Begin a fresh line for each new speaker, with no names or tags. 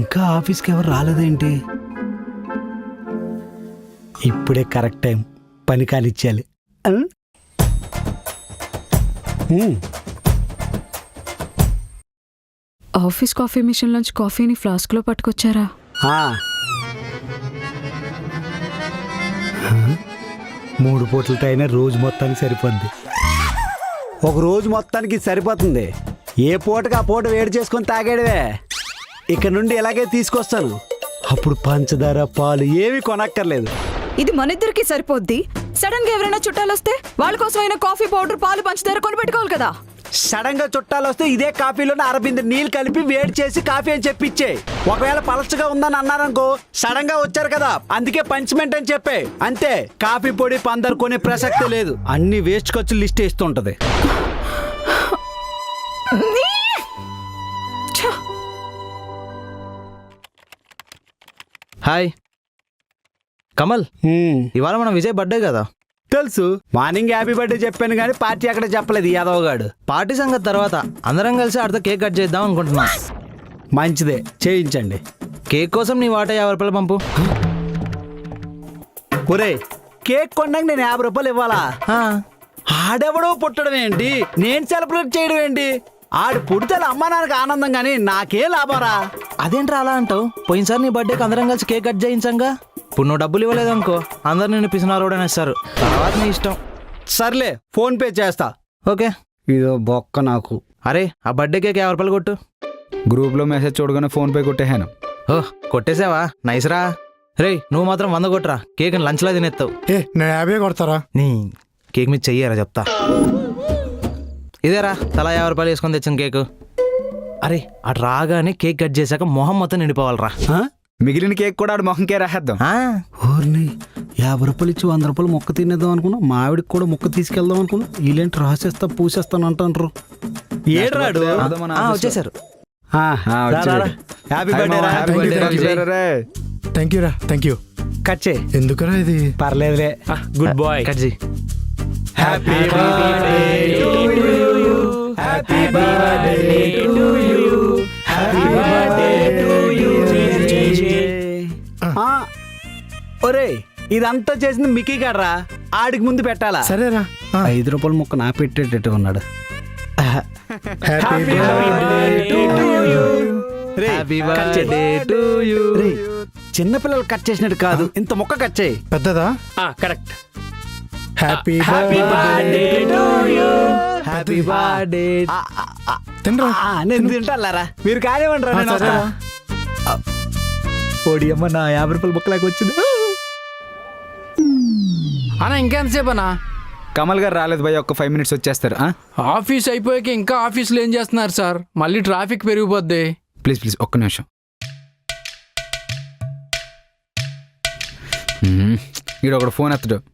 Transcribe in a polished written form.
ఇంకా ఆఫీస్కి ఎవరు రాలేదేంటి? ఇప్పుడే కరెక్ట్ టైం, పని కానిచ్చేయాలి.
ఆఫీస్ కాఫీ మిషన్ నుంచి కాఫీని ఫ్లాస్క్లో పట్టుకొచ్చారా?
3 పూటలతో అయినా రోజు మొత్తానికి సరిపోద్ది. ఒక రోజు మొత్తానికి సరిపోతుంది. ఏ పూటకి ఆ పూట వేడి చేసుకొని తాగాడువే. ఇక్కడ నుండి ఇలాగే తీసుకొస్తాను. అప్పుడు పంచదార పాలు ఏవి కొనక్కర్లేదు.
ఇది మన ఇద్దరికి సరిపోద్ది. సడన్ గా ఎవరైనా చుట్టాలు వస్తే వాళ్ళ కోసం అయినా కాఫీ పౌడర్ పాలు పంచదార కొనిపెట్టుకోవాలి కదా.
సడన్ గా చుట్టాలు వస్తే ఇదే కాఫీలోనే అరబింద నీళ్ళు కలిపి వేడి చేసి కాఫీ అని చెప్పిచ్చే. ఒకవేళ పలచగా ఉందని అన్నారనుకో, సడన్ గా వచ్చారు కదా అందుకే పంచ్మెంట్ అని చెప్పే. అంతే, కాఫీ పొడి పందరు కొనే ప్రసక్తే లేదు. అన్ని వేస్ట్ ఖర్చులు లిస్ట్ ఇస్తుంటది.
హాయ్ కమల్, ఇవాళ మన విజయ్ బర్త్డే కదా.
తెలుసు, మార్నింగ్ హ్యాపీ బర్త్డే చెప్పాను కానీ పార్టీ అక్కడ చెప్పలేదు యాదవ్.
పార్టీ సంగతి తర్వాత అందరం కలిసి ఆడితో కేక్ కట్ చేద్దాం అనుకుంటున్నా.
మంచిదే, చేయించండి.
కేక్ కోసం నీ వాటా 50 రూపాయలు పంపు.
ఒరే, కేక్ కొన్నాక నేను 50 రూపాయలు ఇవ్వాలా? ఆడెవడో పుట్టడం ఏంటి, నేను సెలబ్రేట్ చేయడం ఏంటి? ఆడు పుడితే అమ్మా నాన్నకి ఆనందం కానీ నాకే లాభరా?
అదేంట్రా అలా అంటావు? పోయినసారి నీ బర్త్డేకి అందరం కలిసి కేక్ కట్ చేయించాంగా. ఇప్పుడు నువ్వు డబ్బులు ఇవ్వలేదనుకో అందరు నిన్ను పిసినారోడని ఇస్తారు. తర్వాత నీ ఇష్టం.
సర్లే, ఫోన్ పే చేస్తా.
ఓకే.
ఇదో బొక్క నాకు.
అరే, ఆ బర్త్డే కేక్ 50 రూపాయలు కొట్టు.
గ్రూప్లో మెసేజ్ చూడగానే ఫోన్ పే కొట్టేహాను.
ఓహ్, కొట్టేసావా? నైస్ రా. రేయ్, నువ్వు మాత్రం 100 కొట్టరా. కేక్ లంచ్లో తినేస్తావు.
నేను 50 కొడతారా?
నీ కేక్ మీద చెయ్యరా చెప్తా. ఇదేరా, తలా 50 రూపాయలు వేసుకొని తెచ్చిన కేకు. అరే, అటు రాగానే కేక్ కట్ చేశాక మొహం మొత్తం నిండిపోవాలరా.
మిగిలిన కేక్ కూడా ఆడు మొహంకే రాసేద్దాం.
ఊరిని 50 రూపాయలు ఇచ్చి 100 రూపాయలు మొక్క తినేద్దాం అనుకున్నా. మా ఆవిడకి కూడా మొక్క తీసుకెళ్దాం అనుకున్నా. వీళ్ళేంటి రాసేస్తా పూసేస్తాను అంటారు. ఏడ్రాడు
వచ్చేసారు.
Happy birthday.
థ్యాంక్ యూ రా. Thank you.
కట్ చేయి.
ఎందుకురా ఇది?
పర్లేదులే.
Good boy. కట్ చేయి.
Happy birthday to you. Happy birthday to you. Happy birthday to you. ఒరే, ఇదంతా చేసింది మిక్కీ గాడ్రా. ఆడికి ముందు పెట్టాలా?
సరేరా.
5 రూపాయల ముక్క నా పెట్టేటట్టు ఉన్నాడు.
Happy
birthday to you.
చిన్నపిల్లలు కట్ చేసినట్టు కాదు, ఇంత మొక్క కట్ చేయి.
పెద్దదా?
Correct.
Happy
birthday to you.
Happy birthday.
తినరా?
నేను తింటారా, మీరు కానివ్వండి రా. నేను వస్తా. ఓడి అమ్మ, నా 50 రూపాయల ముక్కలాగా వచ్చింది.
అన్నా ఇంకెంతసేపు అన్నా?
కమల్ గారు రాలేదు భయ్య, ఒక 5 మినిట్స్ వచ్చేస్తారు.
ఆఫీస్ అయిపోయాక ఇంకా ఆఫీస్లో ఏం చేస్తున్నారు సార్? మళ్ళీ ట్రాఫిక్ పెరిగిపోద్ది.
ప్లీజ్ ఒక్క నిమిషం. ఈడు ఒకడు ఫోన్ ఎత్తడు.